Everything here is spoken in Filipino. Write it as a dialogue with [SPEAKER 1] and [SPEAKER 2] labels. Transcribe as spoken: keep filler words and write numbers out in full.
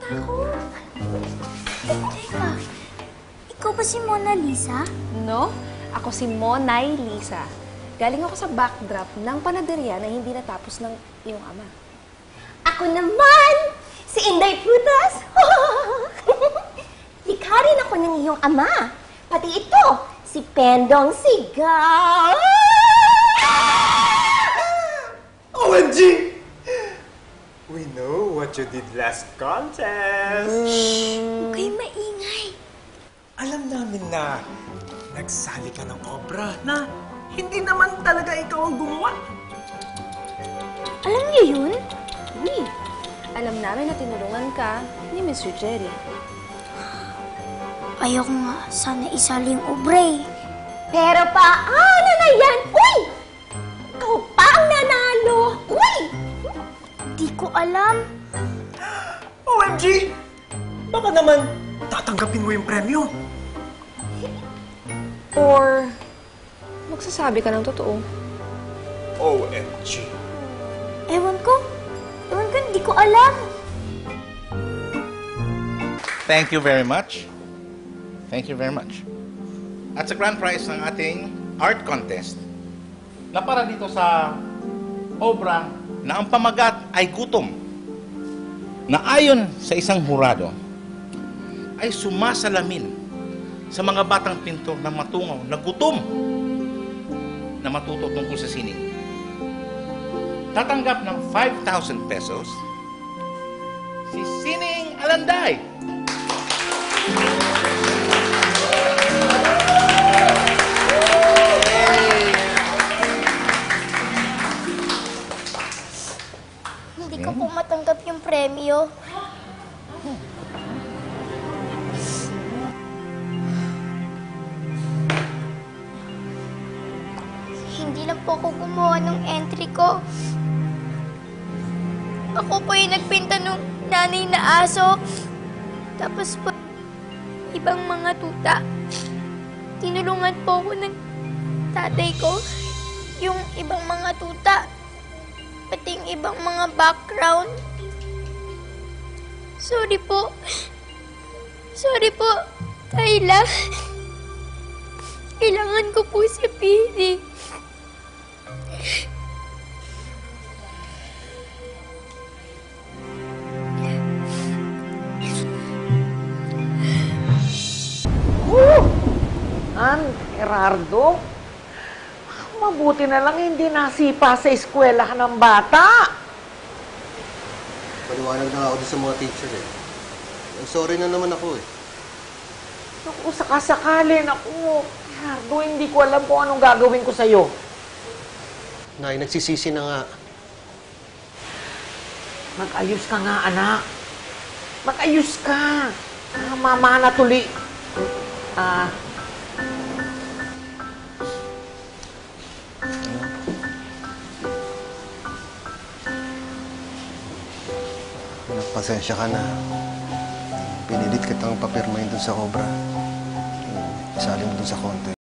[SPEAKER 1] Ako? Teka, ikaw ba si Mona Lisa?
[SPEAKER 2] No, ako si Monay Lisa. Galing ako sa backdrop ng panaderya na hindi natapos ng iyong ama.
[SPEAKER 3] Ako naman, si Inday Prutas. Likha rin ako ng iyong ama. Pati ito, si Pendong Sigaw.
[SPEAKER 4] O M G! We know what you did last contest.
[SPEAKER 1] Huwag kayong maingay.
[SPEAKER 4] Alam namin na nagsali ka ng obra na hindi naman talaga ikaw ang gumawa.
[SPEAKER 1] Alam niyo yun?
[SPEAKER 2] Uy, alam namin na tinulungan ka ni Mister Jerry.
[SPEAKER 1] Ayoko nga sana isali yung obre.
[SPEAKER 3] Pero paano na yan? Uy! Ikaw pa ang nanalo. Uy!
[SPEAKER 1] Di ko alam.
[SPEAKER 4] O M G! Baka naman tatanggapin mo yung premyo.
[SPEAKER 2] Or magsasabi ka ng totoo.
[SPEAKER 4] O M G!
[SPEAKER 1] Ewan ko. Ewan ko, di ko alam.
[SPEAKER 5] Thank you very much. Thank you very much. At sa grand prize ng ating art contest, na para dito sa obra na ang pamagat ay gutom, na ayon sa isang hurado, ay sumasalamin sa mga batang pintor na matungaw na gutom na matuto tungkol sa sining. Tatanggap ng five thousand pesos si Sining Alanday.
[SPEAKER 1] Hindi ko po matanggap yung premyo. Hindi lang po ako gumawa ng entry ko. Ako po yung nagpinta ng nanay na aso. Tapos po, ibang mga tuta. Tinulungan po ako ng tatay ko. Yung ibang mga tuta. Pati yung ibang mga background. Sorry po. Sorry po, Kayla. Kailangan ko po si Pili.
[SPEAKER 6] Oh! An, Gerardo, mabuti na lang hindi nasipa sa eskwelahan ng bata.
[SPEAKER 7] Paliwanag na nga ako doon sa mga teacher eh. Sorry na naman ako eh.
[SPEAKER 6] Naku, sakasakali, naku. Gerardo, hindi ko alam kung anong gagawin ko sa'yo.
[SPEAKER 7] Nay, nagsisisi na nga.
[SPEAKER 6] Mag-ayos ka nga, anak. Mag-ayos ka. Ah, mama na tuli. Ah,
[SPEAKER 7] Pasensya ka na. Pinilit kitang papirmahin dun sa Cobra. Isali mo dun sa contest.